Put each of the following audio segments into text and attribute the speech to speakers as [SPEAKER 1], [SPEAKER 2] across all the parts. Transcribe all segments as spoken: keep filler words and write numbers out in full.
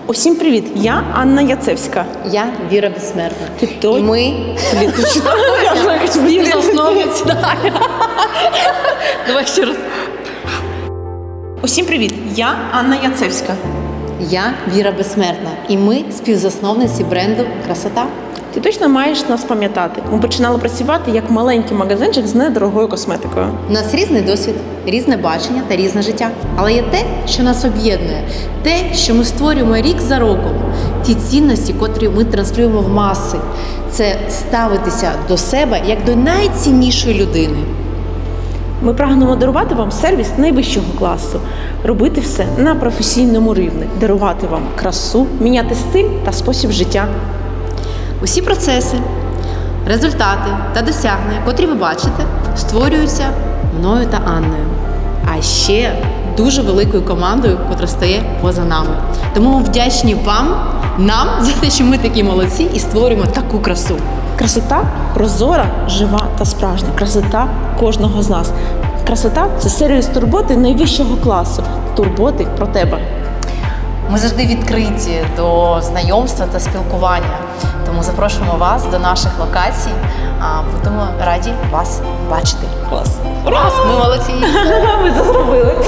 [SPEAKER 1] Усім привіт! Я Анна Яцевська.
[SPEAKER 2] Я Віра Безсмертна.
[SPEAKER 1] Ти той?
[SPEAKER 2] І ми
[SPEAKER 1] співзасновниці.
[SPEAKER 2] Давай ще раз.
[SPEAKER 1] Усім привіт! Я Анна Яцевська.
[SPEAKER 2] Я Віра Безсмертна. І ми співзасновниці бренду Красота.
[SPEAKER 1] Ти точно маєш нас пам'ятати. Ми починали працювати як маленький магазинчик з недорогою косметикою.
[SPEAKER 2] У нас різний досвід, різне бачення та різне життя. Але є те, що нас об'єднує, те, що ми створюємо рік за роком, ті цінності, котрі ми транслюємо в маси. Це ставитися до себе як до найціннішої людини.
[SPEAKER 1] Ми прагнемо дарувати вам сервіс найвищого класу, робити все на професійному рівні, дарувати вам красу, міняти стиль та спосіб життя.
[SPEAKER 2] Усі процеси, результати та досягнення, котрі ви бачите, створюються мною та Анною. А ще дуже великою командою, котра стає поза нами. Тому ми вдячні вам, нам, за те, що ми такі молодці і створюємо таку красу.
[SPEAKER 1] Красота прозора, жива та справжня. Красота кожного з нас. Красота – це сервіс турботи найвищого класу. Турботи про тебе.
[SPEAKER 2] Ми завжди відкриті до знайомства та спілкування. Тому запрошуємо вас до наших локацій. Будемо раді вас бачити.
[SPEAKER 1] Клас.
[SPEAKER 2] Раз, ми молодці!
[SPEAKER 1] Ви це зробили.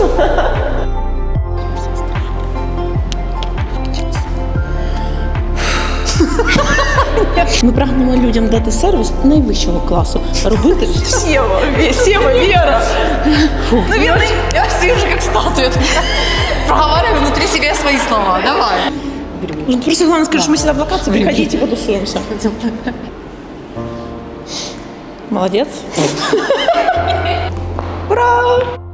[SPEAKER 1] Ми прагнемо людям дати сервіс найвищого класу. Робити
[SPEAKER 2] Сева, Сева, Вера. Ну, Вера, я стою уже как статуя. Проговариваю внутри себя свои слова. Давай.
[SPEAKER 1] Ну, просто главное скажи, что мы сюда в локацию, приходите, потусуемся. Молодец. Ура!